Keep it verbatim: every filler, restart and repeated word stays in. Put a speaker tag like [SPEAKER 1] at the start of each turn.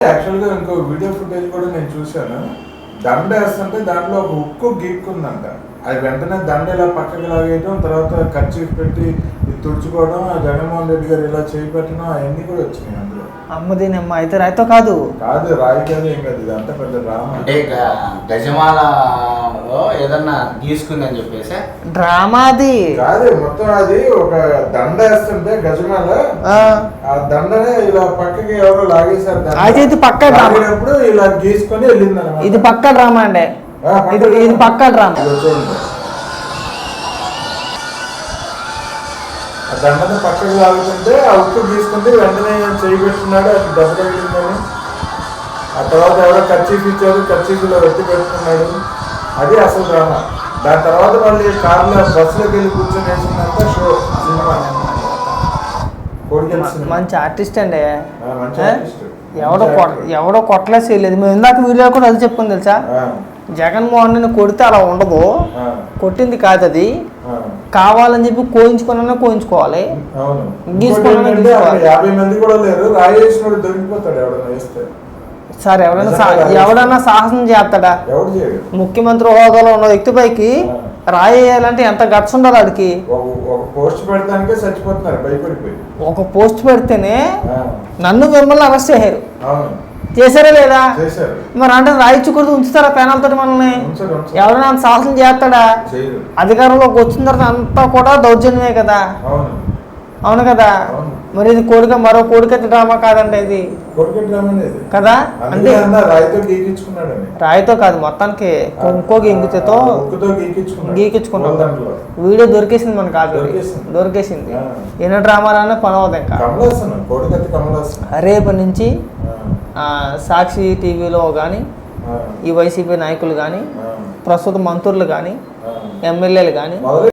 [SPEAKER 1] యాక్చువల్గా ఇంకో video footage కూడా నేను చూశాను. దండ వేస్తుంటే దాంట్లో ఒక ఉక్కు గీక్కుందంట. అది వెంటనే దండ ఇలా పక్కకి లాగేయడం, తర్వాత ఖర్చు పెట్టి తుడుచుకోవడం, జగన్మోహన్ రెడ్డి గారు ఇలా చేయి పెట్టడం అవన్నీ కూడా వచ్చినాయి అందులో.
[SPEAKER 2] అమ్మదేనమ్మ అయితే రాయితో కాదు
[SPEAKER 1] కాదు రాయి కాదు ఏం కాదు, ఇది అంతా పెద్ద డ్రామా.
[SPEAKER 3] అంటే గజమాలలో ఏదన్నా గీసుకుందని చెప్పేసి
[SPEAKER 2] డ్రామాది
[SPEAKER 1] కాదు, మొత్తం అది ఒక దండ వేస్తుంటే గజమాల ఆ దండనే ఇలా పక్కకి ఎవరో లాగేశారు.
[SPEAKER 2] అయితే ఇది పక్క
[SPEAKER 1] లాగినప్పుడు ఇలా గీసుకొని వెళ్ళింది అనమాట.
[SPEAKER 2] ఇది పక్క డ్రామా అండి, ఇది ఇది పక్క డ్రామా.
[SPEAKER 1] ఆ దండని పక్కకి లాగుతుంటే ఆ ఉప్పు గీసుకుంటే వెంటనే చేయి పెట్టుకున్నాడు, అది దెబ్బ తగిలిందని. ఆ తర్వాత ఎవరో కర్చీఫ్ ఇచ్చారు, కర్చీఫ్లో వెత్తి పెట్టుకున్నాడు. అది అసలు డ్రామా. దాని తర్వాత మళ్ళీ కార్లో బస్సులోకి వెళ్ళి కూర్చొని వేసిందంతా షో సినిమా.
[SPEAKER 2] మంచి ఆర్టిస్ట్ అండి,
[SPEAKER 1] మంచి ఆర్టిస్ట్.
[SPEAKER 2] ఎవడో ఎవడో కొట్టలేసి వెళ్ళేది. మేము ఇందాక వీడియో కూడా అది చెప్పుకుని తెలుసా, జగన్మోహన్ రెడ్డి కొడితే అలా ఉండదు, కొట్టింది కాదు అది, కావాలని చెప్పి కోయించుకున్నా కోయించుకోవాలి, గీసుకున్నా
[SPEAKER 1] యాభై మంది కూడా లేరు, రాయేసినోడు దొరికిపోతాడు ఎవడన్నా వేస్తే.
[SPEAKER 2] సార్ ఎవరైనా ఎవడన్నా సాహసం చేస్తాడా?
[SPEAKER 1] ఎవడు చేయడు.
[SPEAKER 2] ముఖ్యమంత్రి హోదాలో ఉన్న వ్యక్తిపైకి రాయేయాలంటే ఎంత గట్స్ ఉండాలి వాడికి.
[SPEAKER 1] ఒక పోస్ట్ పెడతానికే చచ్చిపోతున్నారు భయపడిపోయి. ఒక
[SPEAKER 2] పోస్ట్ పెడితేనే నన్ను మిమ్మల్ని అరెస్ట్ చేశారు, చేశారా లేదా? మరి అంటే రాయించకూడదు, ఉంచుతారా పేనాలతో మనల్ని? ఎవరైనా సాహసం చేస్తాడా? అధికారంలోకి వచ్చిన తర్వాత అంతా కూడా దౌర్జన్యమే కదా. అవును కదా. మరి ఇది కోడిక మరో కోడికత్తి డ్రామా కాదండి ఇది కదా. అంటే రాయితో కాదు, మొత్తానికి ఇంకో గింగితో గీకించుకున్నాం. వీడియో దొరికేసింది మనకు, కాదు దొరికేసింది. ఎన్నో డ్రామాలన్నా పని అవుతుంది ఇంకా. రేపటి నుంచి సాక్షి టీవీలో కానీ, ఈ వైసీపీ నాయకులు కానీ, ప్రస్తుత మంత్రులు కానీ, ఎమ్మెల్యేలు కానీ